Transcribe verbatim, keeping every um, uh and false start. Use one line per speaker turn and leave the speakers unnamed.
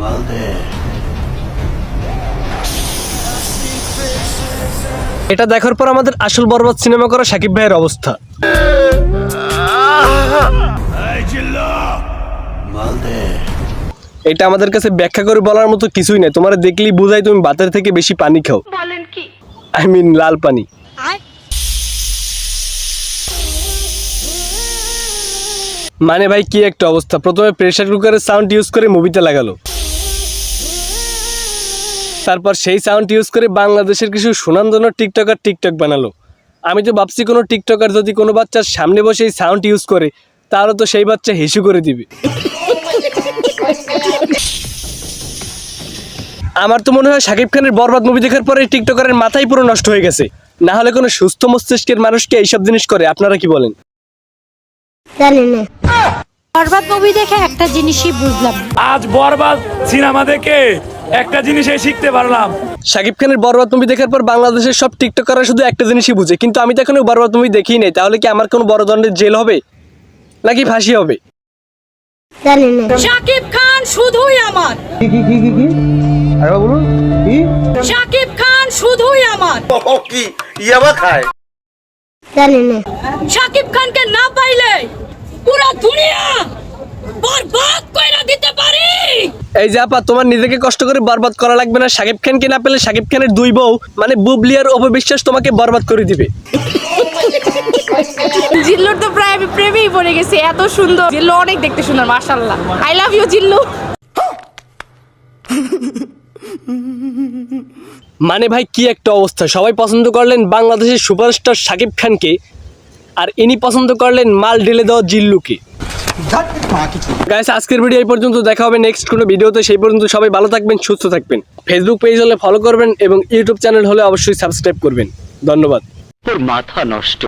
এটা দেখার পর আমাদের আসল বরবাদ সিনেমা করা শাকিব ভাইয়ের অবস্থা। এটা আমাদের কাছে ব্যাখ্যা করে বলার মতো কিছুই নাই। তোমার দেখলেই বুঝাই তুমি বাতের থেকে বেশি পানি খাও। বলেন কি? আই মিন লাল পানি। মানে ভাই কি একটা অবস্থা। প্রথমে প্রেসার কুকারের সাউন্ড ইউজ করে মুভিতে লাগালো, তারপর সেই সাউন্ড ইউজ করে বাংলাদেশের কিছু সুনামধন্য টিকটকার টিকটক বানালো। আমি তো ভাবছি কোনো টিকটকার যদি কোনো বাচ্চার সামনে বসে এই সাউন্ড ইউজ করে তাহলে তো সেই বাচ্চা হিসু করে দিবে। আমার তো মনে হয় শাকিব খানের বরবাদ মুভি দেখার পরে টিকটকারের মাথাই পুরো নষ্ট হয়ে গেছে। না হলে কোনো সুস্থ মস্তিষ্কের মানুষকে এইসব জিনিস করে? আপনারা কি বলেন?
জানি না। বরবাদ মুভি দেখে একটা জিনিসই বুঝলাম,
আজ বরবাদ সিনেমা দেখে একটা জিনিসই শিখতে পারলাম।
শাকিব খানের বরবাদ মুভি দেখার পর বাংলাদেশের সব টিকটকাররা শুধু একটা জিনিসই বুঝে, কিন্তু আমি তো এখনো বরবাদ মুভি দেখিই নাই। তাহলে কি আমার কোনো বড় ধরনের জেল হবে নাকি ফাঁসি হবে?
জানি না।
শাকিব খান শুধুই আমার।
কি কি কি কি কি আরে বলুন কি?
শাকিব খান শুধুই আমার।
ও কি ইয়াবা খায়?
জানি না।
শাকিব খানকে না পাইলে পুরো দুনিয়া বরবাদ কইরা দিতে পারি।
এই যে আপা, তোমার নিজেকে কষ্ট করে বরবাদ করা লাগবে না। শাকিব খানকে না পেলে শাকিব খানের দুই বউ মানে বুবলি আর অপবিশ্বাস তোমাকে বরবাদ করে দিবে।
জিল্লুর তো প্রায় আমি প্রেমেই পড়ে গেছি, এত সুন্দর। জিল্লু অনেক দেখতে সুন্দর, মাশাআল্লাহ। I love you Jillu.
মানে ভাই কি একটা অবস্থা। সবাই পছন্দ করলেন বাংলাদেশের সুপারস্টার শাকিব খানকে, আর ইনি পছন্দ করলেন মাল ঢেলে দেওয়া জিল্লুকে। গাইস, আজকের ভিডিও এই পর্যন্ত। দেখা হবে নেক্সট কোনো ভিডিওতে। সেই পর্যন্ত সবাই ভালো থাকবেন, সুস্থ থাকবেন। ফেসবুক পেজ হলে ফলো করবেন এবং ইউটিউব চ্যানেল হলে অবশ্যই সাবস্ক্রাইব করবেন। ধন্যবাদ।
তোর মাথা নষ্ট।